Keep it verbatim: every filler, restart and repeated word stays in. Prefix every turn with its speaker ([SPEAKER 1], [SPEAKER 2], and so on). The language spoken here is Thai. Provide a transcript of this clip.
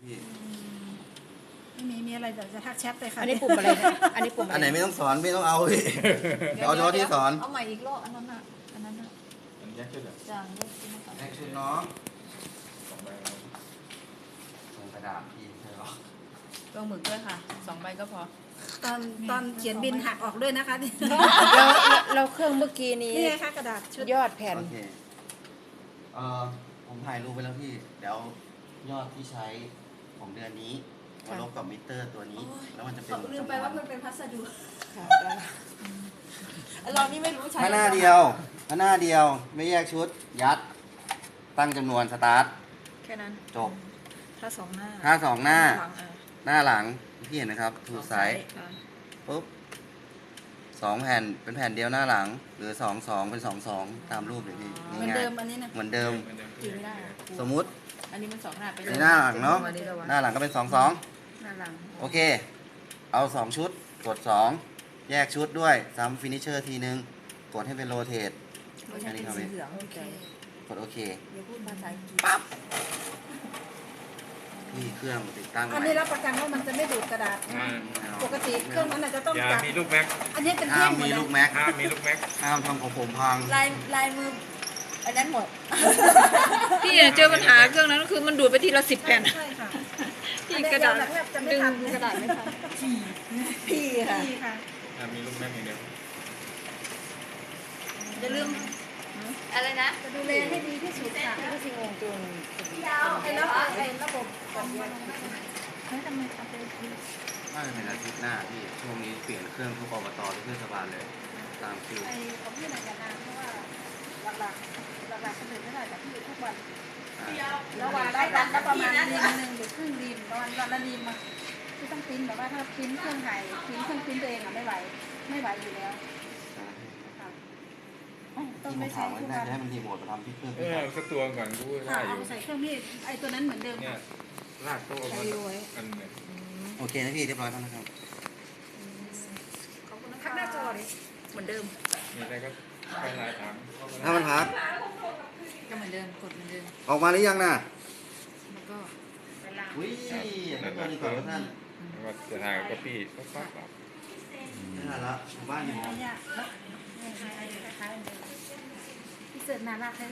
[SPEAKER 1] พี่
[SPEAKER 2] ไม่มีมีอะไรเดี๋ยวจะทักแชทเลยค่ะ
[SPEAKER 3] อันนี้ปุ่มอะไรนะอันนี้ปุ่มอะไร
[SPEAKER 1] อันไหนไม่ต้องสอนไม่ต้องเอาพี่
[SPEAKER 3] เดี๋ยว
[SPEAKER 1] เอาเฉพาะที่สอน
[SPEAKER 3] เอาใหม่อีกรอบอันนั้นน่ะอันนั้นน่ะ
[SPEAKER 4] มันแยกขึ้นเหรอ
[SPEAKER 3] จางเลือกขึ้นมาก่อน
[SPEAKER 1] แอคชุดน้อง
[SPEAKER 4] สองใบแล้ว
[SPEAKER 1] ส่งกระดาษพี่ใช่หรอ
[SPEAKER 3] ลงหมึกด้วยค่ะสองใบก็พอ
[SPEAKER 2] ตอนตอนเขียนบินหักออกด้วยนะคะนี่
[SPEAKER 3] เราเราเครื่องเมื่อกี้นี้
[SPEAKER 2] นี่ไงคะกระดาษชุด
[SPEAKER 3] ยอดแผ่น
[SPEAKER 1] โอเคเอ่อผมถ่ายรูปไปแล้วพี่เดี๋ยวยอดที่ใช้ของเดือนนี้มาลบกับมิเตอร์ตัวนี้ แล้วมันจะเป็น
[SPEAKER 2] ลืมไปว่ามันเป็นพัสดุ
[SPEAKER 3] ค่ะได้เรานี่ไม่รู้ใช้
[SPEAKER 1] ถ้าหน้าเดียวถ้าหน้าเดียวไม่แยกชุดยัดตั้งจำนวนสตาร์ท
[SPEAKER 3] แค่นั้น
[SPEAKER 1] จบ
[SPEAKER 3] ถ้าสองหน้า
[SPEAKER 1] ถ้าสองหน้า
[SPEAKER 3] หลังอ่ะ
[SPEAKER 1] หน้าหลังพี่เห็นนะครับถูกไซส์
[SPEAKER 3] อ่ะ
[SPEAKER 1] ปุ๊บสองแผ่นเป็นแผ่นเดียวหน้าหลัง หรือสองสองเป็นสองสองตามรูปเลยพี่
[SPEAKER 2] เหมือน
[SPEAKER 1] ง่าย
[SPEAKER 2] เดิมอันนี้นะ
[SPEAKER 1] ๆเหมือนเดิม
[SPEAKER 4] มันจะ
[SPEAKER 3] จริงไม่ได้อะ
[SPEAKER 1] สมมุติ
[SPEAKER 3] อันนี้มันสองหน้าไป
[SPEAKER 1] ในหน้าหลังเนาะ
[SPEAKER 3] อัระวัง
[SPEAKER 1] หน้าหลังก็เป็นสองสอง
[SPEAKER 3] หน้าหลัง
[SPEAKER 1] โอเค เอาสองชุดกดสองแยกชุดด้วยซ้ำฟินิชเชอร์ทีนึงกดให้เป็นโรเทต
[SPEAKER 3] ไม่ใช่เป็นสีเหลืองโอเค
[SPEAKER 1] กดโอเค
[SPEAKER 3] เดี๋ยวพูดภาษาอังกฤษ
[SPEAKER 1] ปั๊บพี่เครื่องติดตั้ง
[SPEAKER 2] อัน
[SPEAKER 1] ใหม่
[SPEAKER 2] นี้รับประกันว่ามันจะไม่ดูดกระดาษ
[SPEAKER 4] อ่า
[SPEAKER 2] ปกติเครื่องนั้นอาจจะต้อง
[SPEAKER 4] อย่า
[SPEAKER 2] จับ
[SPEAKER 4] มีลูกแม็ก
[SPEAKER 2] อันนี้เป็น
[SPEAKER 1] ห้า
[SPEAKER 2] แท่
[SPEAKER 1] ม
[SPEAKER 2] งหมด
[SPEAKER 1] มี
[SPEAKER 2] เล
[SPEAKER 1] ลู
[SPEAKER 2] ย
[SPEAKER 1] กแม็ก
[SPEAKER 4] ห้ามมีลูกแม็ก
[SPEAKER 1] ห้ามทำของผมพัง
[SPEAKER 3] ลายลายมืออันนั้นหมด
[SPEAKER 5] พี่เจอปัญหาเครื่องนั้นก็คือมันดูดไปทีละสิบแผ่น
[SPEAKER 2] ใช่ค่ะ
[SPEAKER 5] ที่กระดาษ
[SPEAKER 2] อันนี้เยวแบบจะไม่
[SPEAKER 5] ดึง
[SPEAKER 2] ทัน
[SPEAKER 5] กระดาษไม่ทัน
[SPEAKER 3] พี่ค่ะ
[SPEAKER 2] นี่ค่ะ
[SPEAKER 4] ห้ามมีลูกแม็กอย่างเดียว
[SPEAKER 2] อย่าลืม
[SPEAKER 3] อะไรนะ
[SPEAKER 2] จะดูแลให้ดีที่สุดค่ะ
[SPEAKER 3] ก็สิงงจน
[SPEAKER 2] ไอ้ระบบไอ้ระบบของมัน
[SPEAKER 3] เฮ้ยทำไมเอาไป
[SPEAKER 1] น่าจะเป็นอาทิตย์หน้าพี่ช่วงนี้เปลี่ยนเครื่องทุกอบตทุกเทศบาลเลย ตามคิว
[SPEAKER 2] ไอ้ของพี่หน่อยจะนานเพราะว่าหลักๆหลักๆคนอื่นไม่ได้แต่พี่ทุกวัน
[SPEAKER 1] อ่า
[SPEAKER 2] แล้ววันละวันละประมาณรีมหนึ่งหรือครึ่งรีมประมาณวันละรีมมาที่ต้องปริ้นแบบว่าถ้าปริ้นเครื่องไห่ปริ้นเครื่องปริ้นตัวเองอ่ะไม่ไหวไม่ไหวอยู่แล้วค่ะต้อ
[SPEAKER 1] ที่
[SPEAKER 2] ง
[SPEAKER 1] ผ
[SPEAKER 2] ไม่
[SPEAKER 1] ม
[SPEAKER 2] ใช้
[SPEAKER 1] ถามไว้
[SPEAKER 2] ทุก
[SPEAKER 1] น่า
[SPEAKER 2] วัน
[SPEAKER 1] จะให้มันรีโมทมาทำที่เครื่อง
[SPEAKER 4] เอ
[SPEAKER 1] พี่
[SPEAKER 4] อ
[SPEAKER 1] ครับ
[SPEAKER 4] สักตัวก่อนกู
[SPEAKER 2] ค่ะ
[SPEAKER 4] ได้อ
[SPEAKER 2] เอา
[SPEAKER 4] ยู่
[SPEAKER 2] ใส่เครื่องมีดไอ้ตัวนั้นเหมือนเดิม
[SPEAKER 4] เนี่ยลากโต๊ะมันอันเนี่ย
[SPEAKER 1] โอเคนะพี่เรียบร้อยแล้วนะครับ
[SPEAKER 2] ขอบคุณนะคะหน้าจอดิ
[SPEAKER 3] เหมือนเดิม
[SPEAKER 4] มีอะไรก็ไปลายถาม
[SPEAKER 1] ถ้ามันพัก
[SPEAKER 3] ก็เหมือนเดิมกดเหมือนเดิม
[SPEAKER 1] ออกมาหรือยังน่ะ
[SPEAKER 3] แล้วก็
[SPEAKER 1] อุ้ยอย่าตัวนี้ก่อนท่าน
[SPEAKER 4] ว่าจะถ่ายก็ปี้ก็ปั๊บปั๊บ
[SPEAKER 1] ไม่ทันละบ้านอยู่
[SPEAKER 2] เนี่ยแล้วเนี่ยคล้ายๆเดิมพี่เสิร์ฟน่ารักเลย